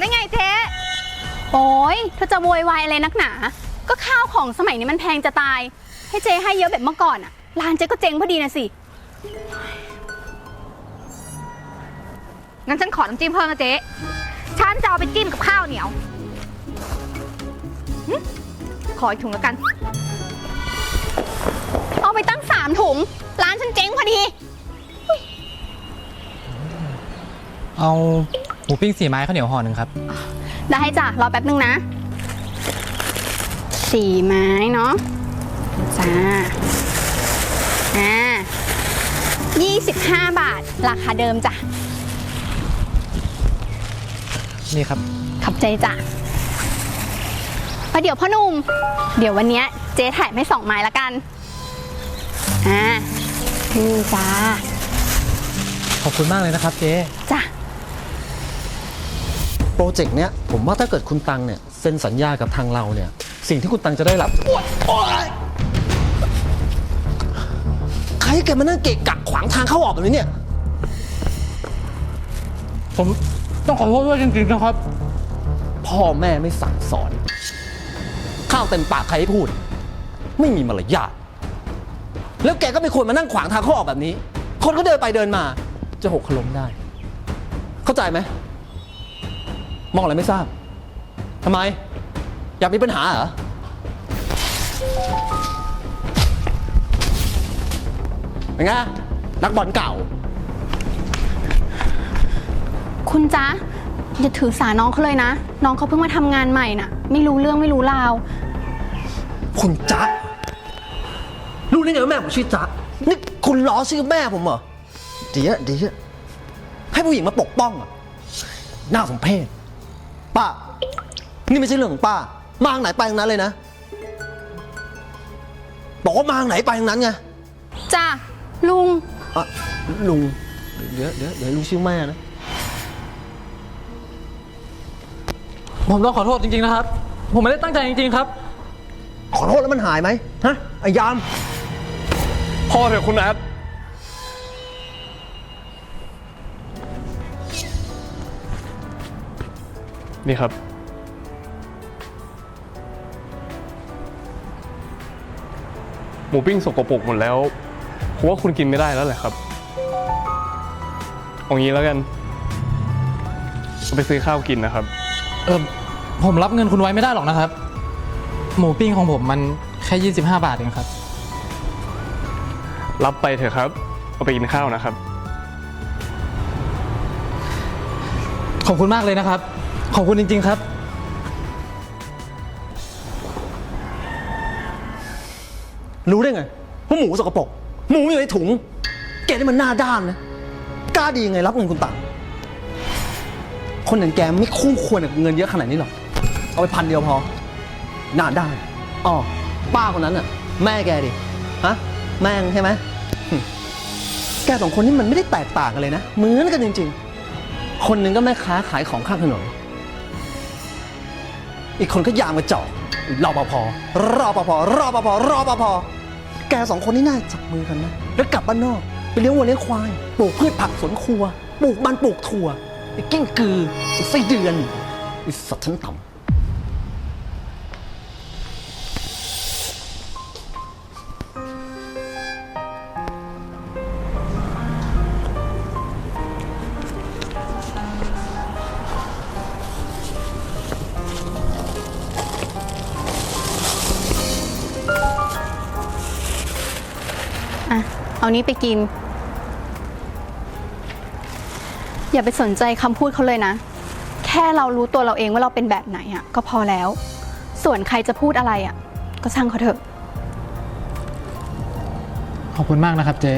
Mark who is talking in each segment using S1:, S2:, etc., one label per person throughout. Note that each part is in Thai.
S1: ได้ไงเจ๊
S2: โอ้ยเธอจะโวยวายอะไรนักหนาก็ข้าวของสมัยนี้มันแพงจะตายให้เจ๊ให้เยอะแบบเมื่อก่อนอะร้านเจ๊ก็เจ๊งพอดีนะสิ
S1: งั้นฉันขอน้ำจิ้มเพิ่มนะเจ๊ฉันจะเอาไปจิ้มกับข้าวเหนียวขออีกถุงแล้วกัน
S2: เอาไปตั้ง3 ถุงร้านฉันเจ๊งพอดี
S3: เอาหมูปิ้ง4 ไม้ข้าวเหนียวห่อ 1ครับ
S2: ได้จ้ะรอแป๊บนึงนะ4 ไม้เนาะจ้า25 บาทราคาเดิมจ้ะ
S3: นี่ครับ
S2: ขอบใจจ้ะเดี๋ยวพ่อหนุ่มเดี๋ยววันนี้เจ๊ถ่ายไม่2 ไม้ละกันนี่จ้า
S3: ขอบคุณมากเลยนะครับเจ๊
S2: จ้ะ
S4: โปรเจกต์เนี้ยผมว่าถ้าเกิดคุณตังเนี่ยเซ็นสัญญากับทางเราเนี่ยสิ่งที่คุณตังจะได้รับใครแกมานั่งเกะกะขวางทางเข้าออกแบบนี้เนี่ย
S3: ผมต้องขอโทษด้วยจริงๆนะครับ
S4: พ่อแม่ไม่สั่งสอนข้าวเต็มปากใครให้พูดไม่มีมารยาทแล้วแกก็ไม่ควรมานั่งขวางทางเข้าออกแบบนี้คนก็เดินไปเดินมาจะหกล้มได้เข้าใจไหมมองอะไรไม่ทราบทำไมอยากมีปัญหาเหรอเป็นไงนักบอลเก่า
S2: คุณจ๊ะอย่าถือสาน้องเขาเลยนะน้องเขาเพิ่งมาทำงานใหม่น่ะไม่รู้เรื่องไม่รู้ราว
S4: คุณจ๊ะรู้ได้ไงว่าแม่ผมชื่อจ๊ะนี่คุณล้อชื่อแม่ผมเหรอดีอะให้ผู้หญิงมาปกป้องอ่ะน่าสมเพชป้านี่ไม่ใช่เรื่องของป้ามาทางไหนไปทางนั้นเลยนะบอกว่ามาทางไหนไปทางนั้นไง
S2: จ้ะลุง
S4: ลุงเดี๋ยวลุงชื่อแม่นะ
S3: ผมต้องขอโทษจริงๆนะครับผมไม่ได้ตั้งใจจริงๆครับ
S4: ขอโทษแล้วมันหายไหมฮะไอ้ยาม
S5: พ่อเถอะคุณนัทนี่ครับหมูปิ้งสกปรกหมดแล้วผมว่าคุณกินไม่ได้แล้วแหละครับเอางี้แล้วกันไปซื้อข้าวกินนะครับ
S3: ผมรับเงินคุณไว้ไม่ได้หรอกนะครับหมูปิ้งของผมมันแค่25 บาทเองครับ
S5: รับไปเถอะครับเอาไปกินข้าวนะครับ
S3: ขอบคุณมากเลยนะครับขอบคุณจริงๆครับ
S4: รู้ได้ไงว่าหมูสกปรกหมูอยู่ในถุงแกนี่มันหน้าด้านนะกล้าดียังไงรับเงินคุณตังคนอย่างแกไม่คู่ควรกับเงินเยอะขนาดนี้หรอกเอาไป1,000 เดียวพอหน้าด้านอ๋อป้าคนนั้นน่ะแม่แกดิฮะแม่ใช่ไหมแก2 คนนี่มันไม่ได้แตกต่างกันเลยนะเหมือนกันจริงๆคนหนึ่งก็แม่ค้าขายของข้างถนนอีกคนก็ยามกระจอกรปภแก2 คนนี่น่าจับมือกันนะแล้วกลับบ้านนอกไปเลี้ยงวัวเลี้ยงควายปลูกพืชผักสวนครัวปลูกมันปลูกถั่วไอ้กิ้งกือไอ้ไส้เดือนไอ้สัตว์ชั้นต่ำ
S2: เอานี้ไปกินอย่าไปสนใจคำพูดเขาเลยนะแค่เรารู้ตัวเราเองว่าเราเป็นแบบไหนอ่ะก็พอแล้วส่วนใครจะพูดอะไรอ่ะก็ช่างเขาเถอะ
S3: ขอบคุณมากนะครับเจ๊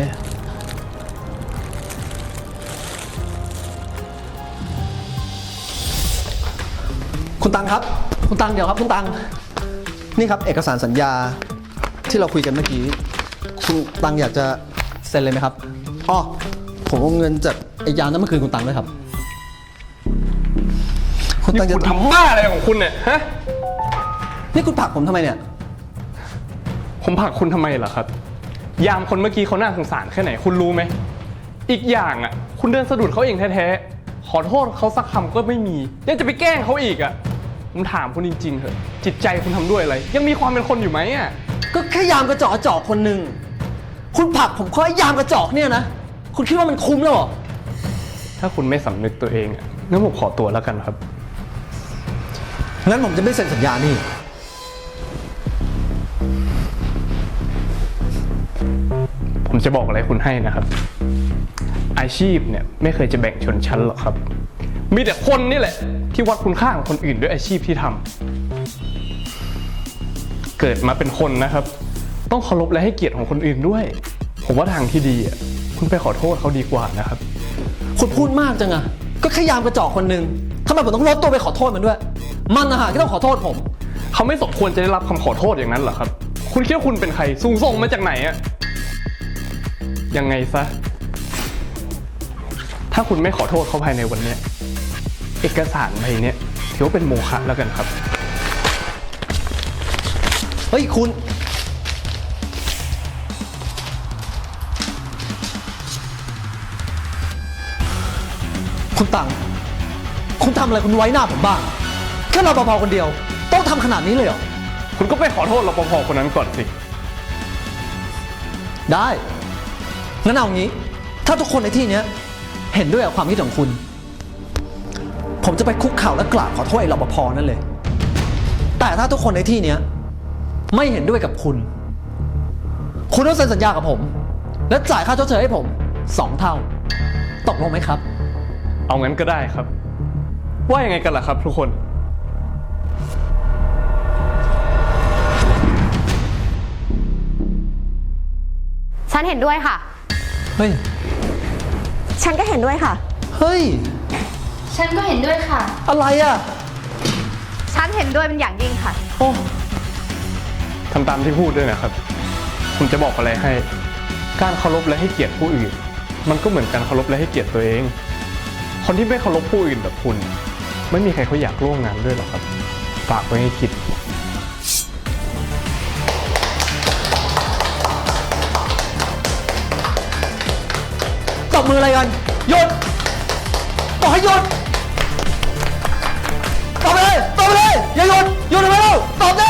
S4: คุณตังครับคุณตังเดี๋ยวครับคุณตังนี่ครับเอกสารสัญญาที่เราคุยกันเมื่อกี้คุณตังอยากจะเซ็นเลยไหมครับอ๋อผมเอาเงินจากไอ้ยามนั้นมาคืนคุณตังด้วยครับ
S5: คุณตังจะทำบ้าอะไรของคุณเนี่ยฮะ
S4: นี่คุณผลักผมทำไมเนี่ย
S5: ผมผลักคุณทำไมล่ะครับยามคนเมื่อกี้เขาน่าสงสารแค่ไหนคุณรู้ไหมอีกอย่างอ่ะคุณเดินสะดุดเขาเองแท้ๆขอโทษเขาสักคำก็ไม่มียังจะไปแกล้งเขาอีกอะผมถามคุณจริงๆเถอะจิตใจคุณทำด้วยอะไร ยังมีความเป็นคนอยู่ไหมอะ
S4: ก็แค่ยามกระจอกคนหนึ่งคุณผลักผมเพราะไอ้ยามกระจอกเนี่ยนะ คุณคิดว่ามันคุ้มแล้วเหรอ
S5: ถ้าคุณไม่สำนึกตัวเองอะงั้นผมขอตัวแล้วกันครับ
S4: งั้นผมจะไม่เซ็นสัญญานี่
S5: ผมจะบอกอะไรคุณให้นะครับ อาชีพเนี่ยไม่เคยจะแบ่งชนชั้นหรอกครับ มีแต่คนนี่แหละ ที่วัดคุณค่าของคนอื่นด้วยอาชีพที่ทำเกิดมาเป็นคนนะครับ ต้องเคารพและให้เกียรติของคนอื่นด้วย ผมว่าทางที่ดีอ่ะคุณไปขอโทษเขาดีกว่านะครับ
S4: คุณพูดมากจังอะก็แค่ยามกระจอกคนหนึ่งทำไมผมต้องลดตัวไปขอโทษมันด้วย มันนะฮะที่ต้องขอโทษผม
S5: เขาไม่สมควรจะได้รับคำขอโทษอย่างนั้นเหรอครับ คุณคิดว่าคุณเป็นใครสูงส่งมาจากไหนอะยังไงซะ ถ้าคุณไม่ขอโทษเขาภายในวันเนี้ยเอกสารใบเนี้ยถือว่าเป็นโมฆะแล้วกันครับ
S4: เฮ้ยคุณ คุณตังคุณทำอะไรคุณไว้หน้าผมบ้าง แค่รปภคนเดียว ต้องทำขนาดนี้เลยเหรอ
S5: คุณก็ไปขอโทษรปภคนนั้นก่อนสิ
S4: ได้ งั้นเอางี้ ถ้าทุกคนในที่เนี้ยเห็นด้วยกับความคิดของคุณ ผมจะไปคุกเข่าและกราบขอโทษไอ้รปภนั่นเลย แต่ถ้าทุกคนในที่เนี้ยไม่เห็นด้วยกับคุณ คุณต้องเซ็นสัญญากับผม และจ่ายค่าชดเชยให้ผม 2 เท่า ตกลงไหมครับ
S5: เอางั้นก็ได้ครับ ว่ายังไงกันล่ะครับทุกคน
S1: ฉันเห็นด้วยค่ะ
S4: เฮ้ย
S1: ฉันก็เห็นด้วยค่ะ
S4: เฮ้ย
S2: ฉันก็เห็นด้วยค่ะ
S4: อะไรอ่ะ
S1: ฉันเห็นด้วยเป็นอย่างยิ่งค่ะ
S4: โอ้
S5: ทำตามที่พูดด้วยนะครับ ผมจะบอกอะไรให้ การเคารพและให้เกียรติผู้อื่น มันก็เหมือนการเคารพและให้เกียรติตัวเอง คนที่ไม่เคารพผู้อื่นแบบคุณ ไม่มีใครเขาอยากร่วมงานด้วยหรอกครับ ฝากไว้ให้คิด
S4: ตบมืออะไรกันหยุดบอกให้หยุดตบไปเลย อย่าหยุดทำไมเล่าตบดิ